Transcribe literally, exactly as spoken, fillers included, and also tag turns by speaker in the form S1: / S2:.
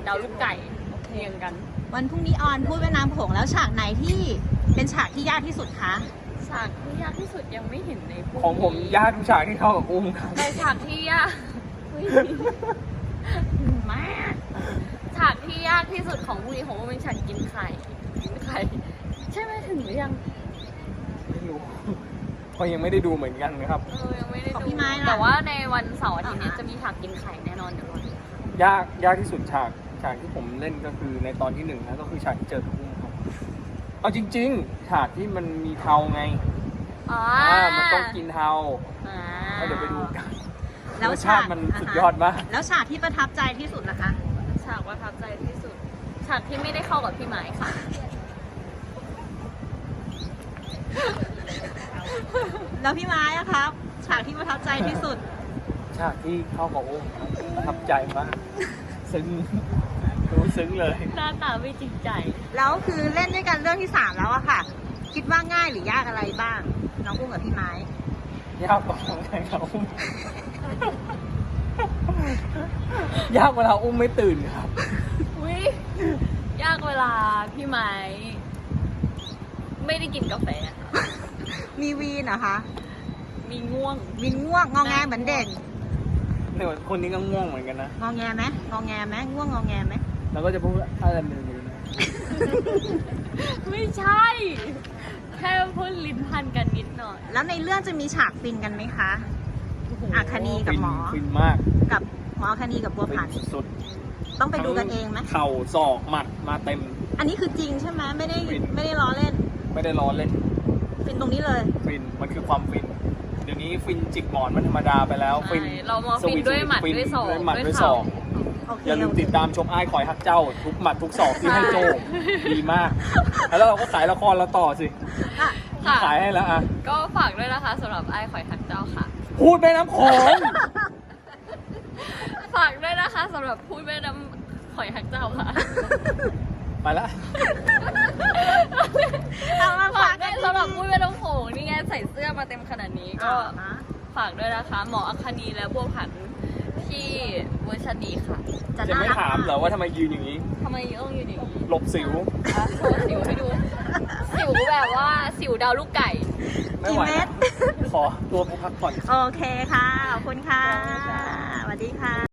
S1: ดาวลูกไก่เรียงกัน
S2: วันพรุ่งนี้ออนพูดแม่น้ำโขงแล้วฉากไหนที่เป็นฉากที่ยากที่สุดคะ
S1: ฉากที่ยากที่สุดยังไม่เห็นในพวก
S3: ของผมยากทุกฉากที่เข้ากับอุ้มครับ
S1: ในฉากที่ยากมากฉากที่ยากที่สุดของพรุ่งนี้ของอุ้มเป็นฉากกินไข่กินไข่ใช่ไหมถึงหรือยัง
S3: ไม่รู้เพราะยังไม่ได้ดูเหมือนกันนะครับ
S1: เออยังไม่ได้ดู
S2: พี่ไม้
S1: แต่ว่าในวันเสาร์อาทิตย์นี้จะมีฉากกินไข่แน่นอนเดี๋ยวร
S3: อยากยากที่สุดฉากฉากที่ผมเล่นก็คือในตอนที่หนึ่งนะก็คือฉากที่เจอกับอุ้มครับเอาจริงๆฉากที่มันมีเทาไง
S1: อ่า
S3: มันต้องกินเทาเดี๋ยวไปดูกันแล้วฉากมันสุดยอดมาก
S2: แล้วฉากที่ประทับใจที่สุดล่ะคะ
S1: ฉากประทับใจที่สุดฉากที่ไม่ได้เข้ากับพี่ไม้ค่ะ
S2: แล้วพี่ไม้อะครับฉากที่ประทับใจที่สุด
S3: ฉากที่เข้ากับอุ้มประทับใจมากซึ้งรู้ซึ้งเลย
S1: หน้าตาไม่จริงใจ
S2: แล้วคือเล่นด้วยกันเรื่องที่สามแล้วอะค่ะคิดว่าง่ายหรือยากอะไรบ้างน้องอุ้มกับพี่ไม้
S3: ยากกว่าไงครับอุ้มยากเวลาอุ้มไม่ตื่นครับ
S1: อุ้ยยากเวลาพี่ไม้ไม่ได้กินกาแฟ
S2: มีวีนเหรอคะ
S1: มีง่วง
S2: วีนง่วงงอแงเหมือนเด็ก
S3: เนี่ยคนนี้ก็ง่วงเหมือนกันนะ
S2: งอแงไหมงอแงไหมง่วงงอแงไหม
S3: แล้วก็จะพูดอะไรมือๆนะ
S1: ไม่ใช่แค่พูดลิ้นพันกันนิดหน่อย
S2: แล้วในเรื่องจะมีฉากฟินกันไหมคะอัคนีกับหมอ
S3: ฟินมาก
S2: กับหมออัคนีกับบัวผัน
S3: สุด
S2: ต้องไปดูกันเองไหม
S3: เข่าศอกหมัดมาเต็ม
S2: อันนี้คือจริงใช่ไหมไม่ได้ไม่ได้ล้อเล่น
S3: ไม่ได้ล้อเล่น
S2: ฟินตรงนี้เลย
S3: ฟินมันคือความฟินเดี๋ยวนี้ฟินจิกหมอนมันธรรมดาไปแล้วฟิน
S1: เรามาฟินด้วยหมัดด้วยศอก
S3: ด้วยหมัดด้วยศอกอย่าลืมติดตามชมอ้ายคอยฮักเจ้าทุกหมัดทุกศอกที่ให้โจดีมากแล้วเราก็ขายละครเราต่อสิขายให้แล้วอ่ะ
S1: ก็ฝากด้วยนะคะสำหรับอ้ายคอยฮักเจ้าค่ะ
S3: พูดแม่น้ำโขง
S1: ฝากด้วยนะคะสำหรับพูดแม่น้ำคอยฮักเจ้าค่ะ
S3: ไปละ
S1: เอามาฝากด้วยสำหรับพูดแม่น้ำโขงนี่ไงใส่เสื้อมาเต็มขนาดนี้ก็ฝากด้วยนะคะหมออัคนีและบัวผันที่เวอร์ชันนี้ค่ะ
S3: จะไม่ถามเหรอว่าทำไมยืนอย่างนี้
S1: ทำไมต้องยืนอย่างนี้
S3: หลบสิว
S1: โชว์สิวให้ดูสิวแบบว่าสิวดาวลูกไก่
S2: กี่เม็ด
S3: ขอตัวพักผ่อน
S2: โอเคค่ะขอบคุณค่ะสวัสดีค่ะ